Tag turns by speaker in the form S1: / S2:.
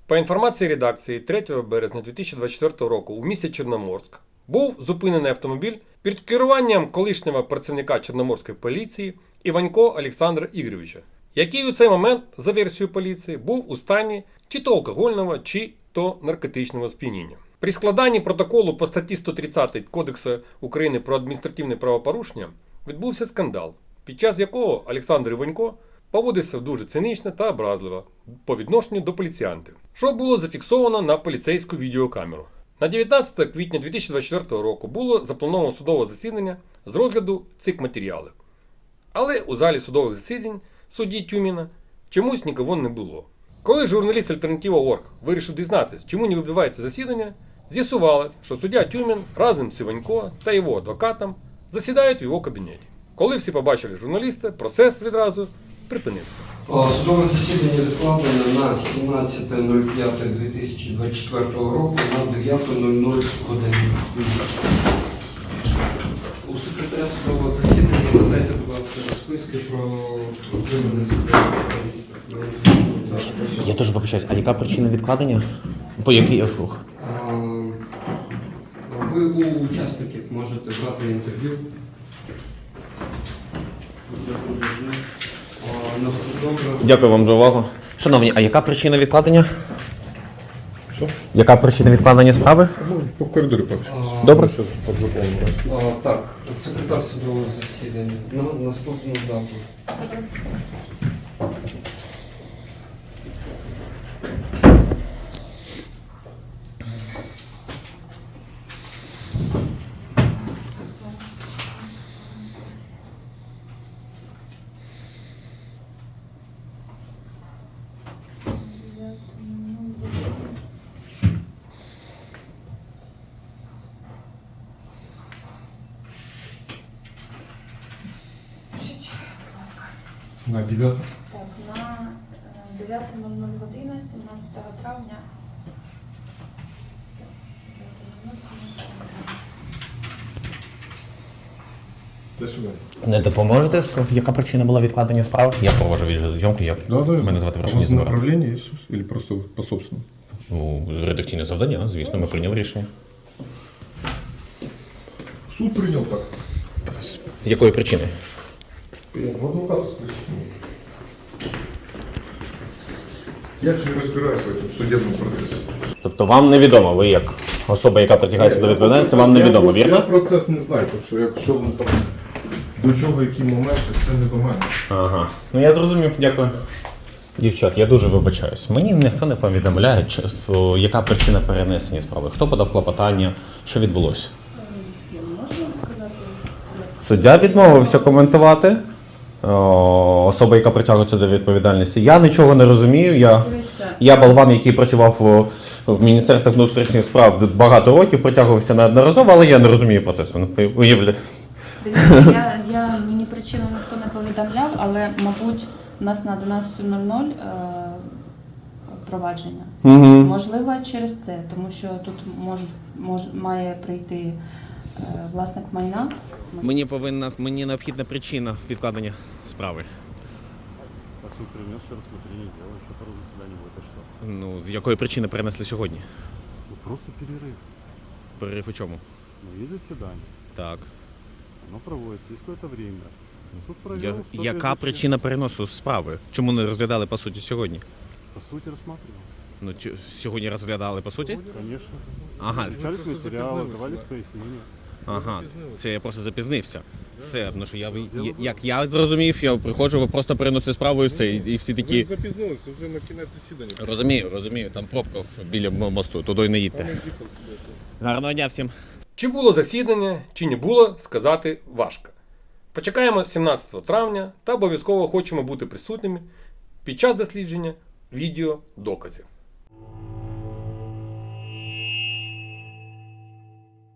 S1: По інформації редакції 3 березня 2024 року у місті Чорноморськ був зупинений автомобіль під керуванням колишнього працівника Чорноморської поліції Іванько Олександра Ігоровича, який у цей момент, за версією поліції, був у стані чи то алкогольного, чи то наркотичного сп'яніння. При складанні протоколу по статті 130 Кодексу України про адміністративне правопорушення відбувся скандал, під час якого Олександр Іванько поводився дуже цинічно та образливо по відношенню до поліціянтів, що було зафіксовано на поліцейську відеокамеру. На 19 квітня 2024 року було заплановано судове засідання з розгляду цих матеріалів. Але у залі судових засідань судді Тюміна чомусь нікого не було. Коли журналіст Альтернатива.орг вирішив дізнатися, чому не відбувається засідання, з'ясувалось, що суддя Тюмін разом з Іванько та його адвокатом засідають в його кабінеті. Коли всі побачили журналіста, процес відразу припинився.
S2: Судове засідання відкладено на 17.05.2024 року на 9.00 годину. У секретаря судового засідання надайте, будь ласка, розписки про отримання секретаря.
S3: Я дуже вибачаюсь, а яка причина відкладення? По який рух?
S2: Ви у учасників можете брати інтерв'ю.
S3: Дякую вам за увагу. Шановні, а яка причина відкладення?
S4: Що?
S3: Яка причина відкладення справи?
S4: Ну, по коридорі поки.
S3: Добре.
S4: Зараз подзаповнимо.
S2: Так, секретар судового засідання. На наступну дату.
S4: На 9.
S5: Так, на 9.00 година, 17 травня. 9.00, 17 травня.
S4: До сюди.
S3: Не допоможете? Яка причина була відкладення справи? Я провожу відеозйомку, мене звати Варшині Забирати.
S4: Направление есть? Или просто по собственному?
S3: Ну, редакційне завдання, звісно, ми прийняли рішення.
S4: Суд принял так.
S3: З якої причини?
S4: В адвоката спросил. Я же не разбираюсь в этом судебном процессе.
S3: Тобто вам невідомо, ви як особа, яка притягається до відповідальності, вам невідомо, вірно?
S4: Я процес не знаю, тому що якщо він там до чого, які моменти, це не до мене.
S3: Ага. Ну я зрозумів, дякую. Дівчат, я дуже вибачаюсь. Мені ніхто не повідомляє, яка причина перенесення справи. Хто подав клопотання, що відбулося? Суддя відмовився коментувати. Особа, яка притягується до відповідальності. Я нічого не розумію. Я болван, який працював в Міністерстві внутрішніх справ багато років, притягувався неодноразово, але я не розумію процесу. Уявляю.
S5: Дивіться, мені причину ніхто не повідомляв, але, мабуть, у нас на 11.00 провадження. Можливо, через це, тому що тут має прийти власник майна.
S3: Мені необхідна причина відкладення справи.
S6: Так суд принес рассмотрение дела, еще пару заседаний будет, а что?
S3: Ну, з якої причини перенесли сьогодні?
S6: Ну просто перерыв.
S3: Перерив у чому?
S6: Ну есть заседание,
S3: Так.
S6: оно проводится, есть какое-то время. Суд провел, что
S3: Яка причина переносу справи? Чому не розглядали по суті сьогодні?
S6: По сути рассматривал.
S3: Ну, сьогодні розглядали по суті?
S6: Конечно.
S3: Ага.
S6: Изучались материалы, давались пояснения.
S3: Ага, це я просто запізнився. Все, ну що як я зрозумів, я приходжу, ви просто переносите справу і все, і всі такі...
S4: Ви запізнилися вже на кінець засідання.
S3: Розумію, там пробка біля мосту, туди не їдьте. Гарного дня всім.
S1: Чи було засідання, чи не було, сказати важко. Почекаємо 17 травня та обов'язково хочемо бути присутніми під час дослідження відеодоказів.